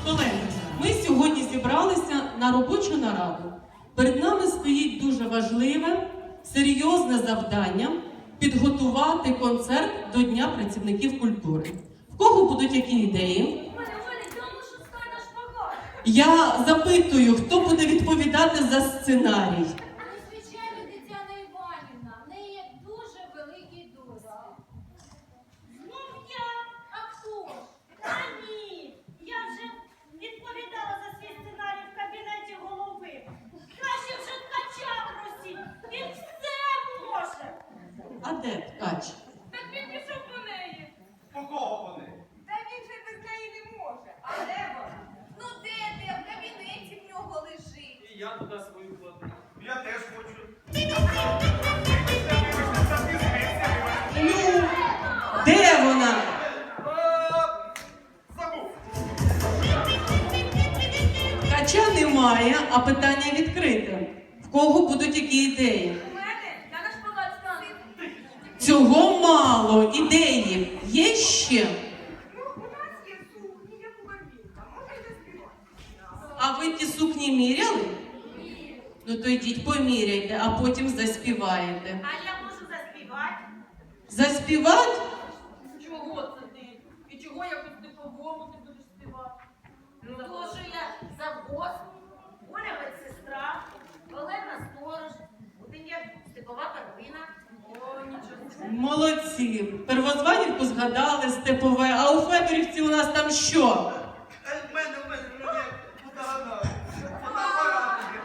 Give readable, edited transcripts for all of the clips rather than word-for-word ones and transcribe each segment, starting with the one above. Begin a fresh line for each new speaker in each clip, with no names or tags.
Колеги, ми сьогодні зібралися на робочу нараду. Перед нами стоїть дуже важливе, серйозне завдання підготувати концерт до Дня працівників культури. В кого будуть які ідеї? Я запитую, хто буде відповідати за сценарій.
Звичайно, Тетяна Іванівна, в неї є дуже великий досвід.
Знов я? А хто ж? Та ні, я вже відповідала за свій сценарій в кабінеті голови. Краще вже ткача просіть, він все може.
А де ткач?
Так він пішов по неї.
По кого вони?
Та він же без неї не може. А де вона? Ну де ти? В кабінеті в нього лежить.
І я туди свою кладу. Я теж хочу.
Ну, де вона?
Забув.
Ткача немає, а питання відкрите. В кого будуть які ідеї?
У мене? Я на шпагат стану.
Цього мало. Ідеї є ще?
Ну, у нас є сукні, як у Гамбінка. Може й заспівати.
А ви ті сукні міряли? Ну то йдіть поміряйте, а потім заспіваєте.
А я можу заспівати?
Заспівати?
Чого це ти? І чого якось по-типовому ти будеш співати? Ну, тому що я завгоз, Оля медсестра, Олена сторож, один я Степова Каролина. О, нічого.
Молодці. Первозванівку згадали, Степове, а у Федорівці у нас там що?
В мене фотоапарат є.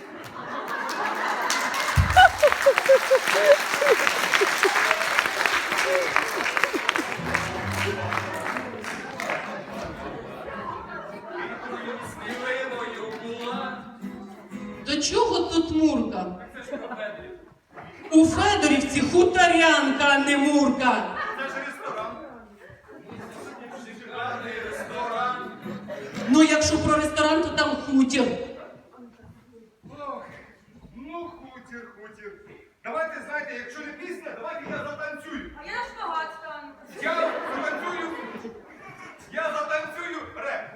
До чого тут Мурка?
Це ж про Федорів.
У Федорівці хуторянка, а не Мурка.
Це ж ресторан. Шикарний ресторан.
Ну, якщо про ресторан, то там хутір.
Ох, ну хутір. Давайте, знаєте, якщо не пісня, давайте я затанцюю.
А я на шпагат стану.
Я затанцюю реп.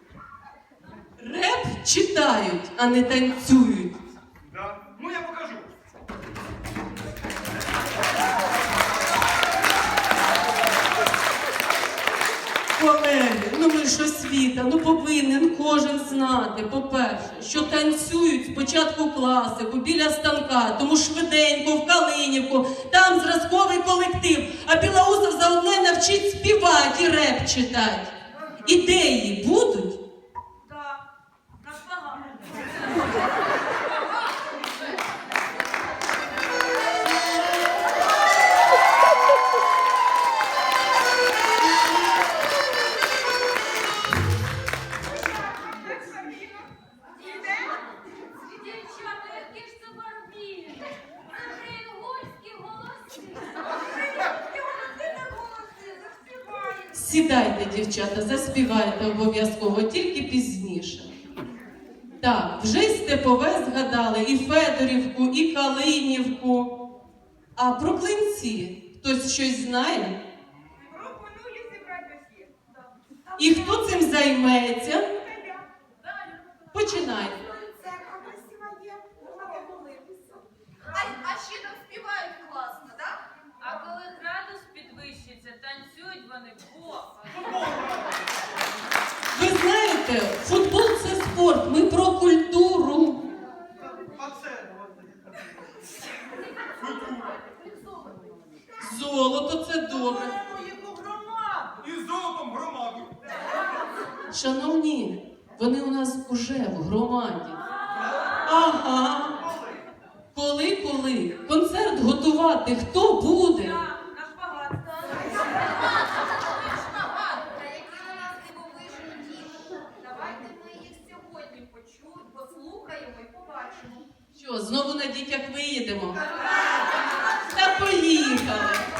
Реп читають, а не танцюють.
Да? Ну я покажу.
Колеги, ну ми ж освіта, ну повинен кожен знати, по-перше, що танцюють спочатку класику, біля станка, тому швиденько, в Калинівку, там зразковий колектив, а Білоусов заодно навчить співати і реп читати. Ідеї будуть?
Так, на шпагат.
Дівчата, які ж це барбі? Це інгульські голоси.
Сідайте, дівчата, заспівайте обов'язково, тільки пізніше. Так, вже й Степове згадали, і Федорівку, і Калинівку. А про Клинці хтось щось знає?
Пропоную зібрати всіх.
І хто цим займеться? Починайте.
Церква красива є, можна помолитися. А ще там співають класно, так?
А коли градус підвищиться, танцюють вони плохо.
Ви знаєте, футбол – це спорт, ми про культуру.
А це?
Золото – це добре.
І з золотом громаду.
Шановні, вони у нас уже в громаді. Ага. Коли? Концерт готувати хто буде?
На шпагат стану.
Та які у нас дивовижні діти. Давайте ми їх сьогодні почуємо, послухаємо і побачимо.
Що, знову на дітях виїдемо? Та поїхали!